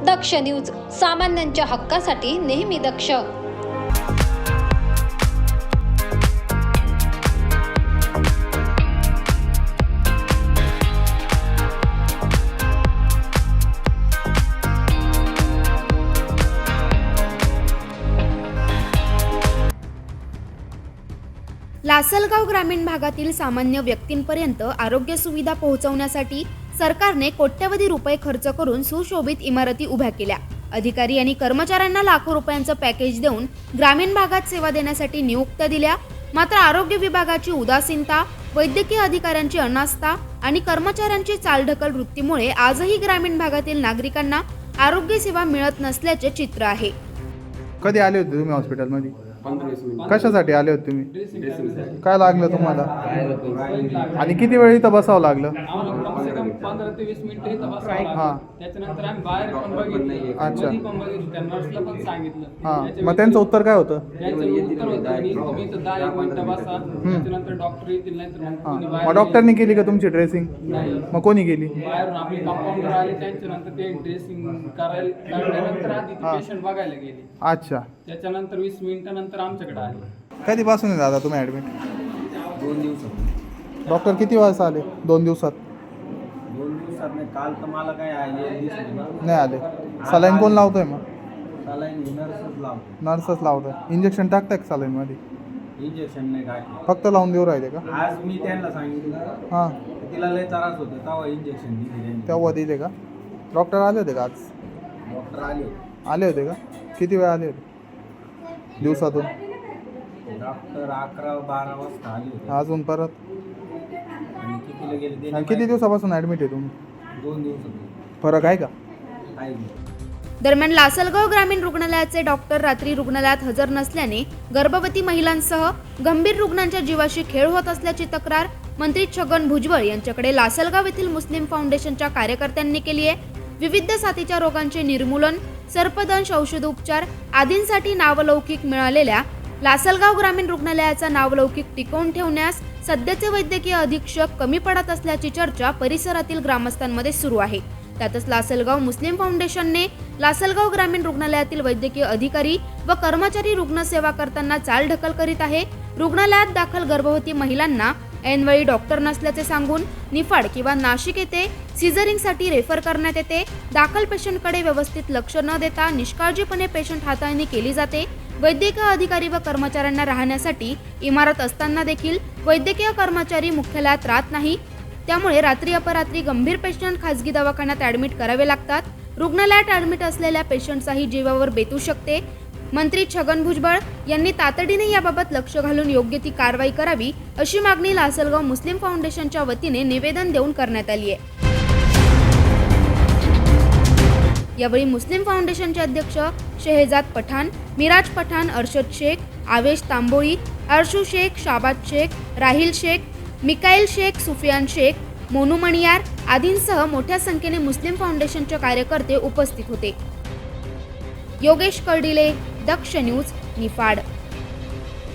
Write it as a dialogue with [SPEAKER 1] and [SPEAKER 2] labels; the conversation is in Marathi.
[SPEAKER 1] दक्ष न्यूज, सामान्यांच्या हक्कासाठी नेहमी दक्ष.
[SPEAKER 2] लासलगाव ग्रामीण भागातील सामान्य व्यक्तींपर्यंत आरोग्य सुविधा पोहोचवण्यासाठी सरकारने कोट्यवधी रुपये खर्च करून सुशोभित इमारती उभ्या केल्या. अधिकारी आणि कर्मचाऱ्यांना लाखो रुपयांचं पॅकेज देऊन ग्रामीण भागात सेवा देण्यासाठी नियुक्त्या दिल्या. मात्र आरोग्य विभागाची उदासीनता, वैद्यकीय अधिकाऱ्यांची अनास्था आणि कर्मचाऱ्यांची चालढकल वृत्तीमुळे आजही ग्रामीण भागातील नागरिकांना आरोग्य सेवा मिळत नसल्याचे चित्र आहे.
[SPEAKER 3] कधी आले होते तुम्ही हॉस्पिटलमध्ये?
[SPEAKER 4] 15-20 मिनिट.
[SPEAKER 3] कशासाठी आले होते तुम्ही?
[SPEAKER 4] ड्रेसिंगसाठी.
[SPEAKER 3] काय लागलं तुम्हाला? आणि किती वेळ इथं बसावं लागलं?
[SPEAKER 4] आम्हाला कम से कम 15 ते 20 मिनिटं इथं बसावं
[SPEAKER 3] हां.
[SPEAKER 4] लागलं. त्याच्यानंतर आम्ही बाहेर पण बघितलं,
[SPEAKER 3] अच्छा.
[SPEAKER 4] मध्ये पण बघितलं, त्या नर्सला पण सांगितलं.
[SPEAKER 3] हां, मग त्यांचं उत्तर काय होतं?
[SPEAKER 4] त्यांचं उत्तर होतं की तुम्ही इथं 10 मिनिटं बसा, त्याच्यानंतर डॉक्टर येतील, नाहीतर मग कोणी
[SPEAKER 3] हां,
[SPEAKER 4] बाहेर
[SPEAKER 3] मग डॉक्टरनी केली का तुमची ड्रेसिंग?
[SPEAKER 4] नाही.
[SPEAKER 3] मग कोणी केली?
[SPEAKER 4] बाहेरून आपले कंपाऊंडर आले, त्यांच्यानंतर ते ड्रेसिंग काढल्यानंतर आधी ती पेशंट बघायला गेली.
[SPEAKER 3] अच्छा.
[SPEAKER 4] त्याच्यानंतर 20 मिनिटानंतर आमच्याकडे आले.
[SPEAKER 3] कधीपासून आहे दादा तुम्ही ॲडमिट?
[SPEAKER 5] 2 दिवसात.
[SPEAKER 3] डॉक्टर किती वाजता आले? 2 दिवसात
[SPEAKER 5] 2 दिवसात नाही. काल तर मला काय आहे
[SPEAKER 3] नाही आले. सलाईन कोण लावतोय? मग
[SPEAKER 5] सलाईन नर्सच लावतो.
[SPEAKER 3] नर्सच लावतोय. इंजेक्शन टाकताय का सलाईनमध्ये?
[SPEAKER 5] इंजेक्शन नाही टाकलं.
[SPEAKER 3] फक्त लावून देऊ राहिले का?
[SPEAKER 5] आज मी त्यांना सांगितलं,
[SPEAKER 3] हां,
[SPEAKER 5] तिला लय त्रास होते, तेव्हा इंजेक्शन दिले त्यांनी.
[SPEAKER 3] तेव्हा दिले का? डॉक्टर आले होते का आज?
[SPEAKER 5] डॉक्टर आले.
[SPEAKER 3] आले होते का? किती वेळ आले होते दिवसातून?
[SPEAKER 5] डॉक्टर 11-12 वाजता आले होते.
[SPEAKER 3] अजून परत?
[SPEAKER 5] आणि कितीला गेले ते
[SPEAKER 3] आणि किती दिवसापासून ॲडमिट आहे तुम्ही?
[SPEAKER 5] 2 दिवसात.
[SPEAKER 3] फरक आहे का?
[SPEAKER 5] आहे.
[SPEAKER 2] दरम्यान लासलगाव ग्रामीण रुग्णालयाचे डॉक्टर रात्री रुग्णालयात हजर नसल्याने गर्भवती महिलांसह गंभीर रुग्णांच्या जीवाशी खेळ होत असल्याची तक्रार मंत्री छगन भुजबळ यांच्याकडे लासलगाव येथील मुस्लिम फाउंडेशनच्या कार्यकर्त्यांनी केली आहे. विविध साथीच्या रोगांचे निर्मूलन, सर्पदंश, औषधोपचार आदींसाठी नावलौकिक मिळालेल्या लासलगाव ग्रामीण रुग्णालयाचा नावलौकिक टिकवून ठेवण्यास सध्याचे वैद्यकीय अधीक्षक कमी पडत असल्याची चर्चा परिसरातील ग्रामस्थांमध्ये सुरू आहे. त्यातच लासलगाव मुस्लिम फाउंडेशनने लासलगाव ग्रामीण रुग्णालयातील वैद्यकीय अधिकारी व कर्मचारी रुग्णसेवा करताना चालढकल करीत आहे. रुग्णालयात दाखल गर्भवती महिलांना ऐनवेळी डॉक्टर नसल्याचे सांगून निफाड किंवा नाशिक येथे सिझरिंगसाठी रेफर करण्यात येते. दाखल पेशंटकडे व्यवस्थित लक्ष न देता निष्काळजीपणे पेशंट हाताळणी केली जाते. वैद्यकीय अधिकारी व कर्मचाऱ्यांना राहण्यासाठी इमारत असताना देखील वैद्यकीय कर्मचारी मुख्यालयात राहत नाही. त्यामुळे रात्री अपरात्री गंभीर पेशंट खासगी दवाखान्यात ॲडमिट करावे लागतात. रुग्णालयात ॲडमिट असलेल्या पेशंटचाही जीवावर बेतू शकते. मंत्री छगन भुजबळ यांनी तातडीने याबाबत लक्ष घालून योग्य ती कारवाई करावी अशी मागणी लासलगाव मुस्लिम फाउंडेशनच्या वतीने निवेदन देऊन करण्यात आली आहे. यावेळी मुस्लिम फाउंडेशनचे अध्यक्ष शेहजाद पठाण, मिराज पठाण, अर्शद शेख, आवेश तांबोळी, अर्शू शेख, शाबाद शेख, राहिल शेख, मिकाईल शेख, सुफियान शेख, मोनू मणियार आदींसह मोठ्या संख्येने मुस्लिम फाउंडेशनचे कार्यकर्ते उपस्थित होते. योगेश कर्डिले, दक्ष न्यूज, निफाड.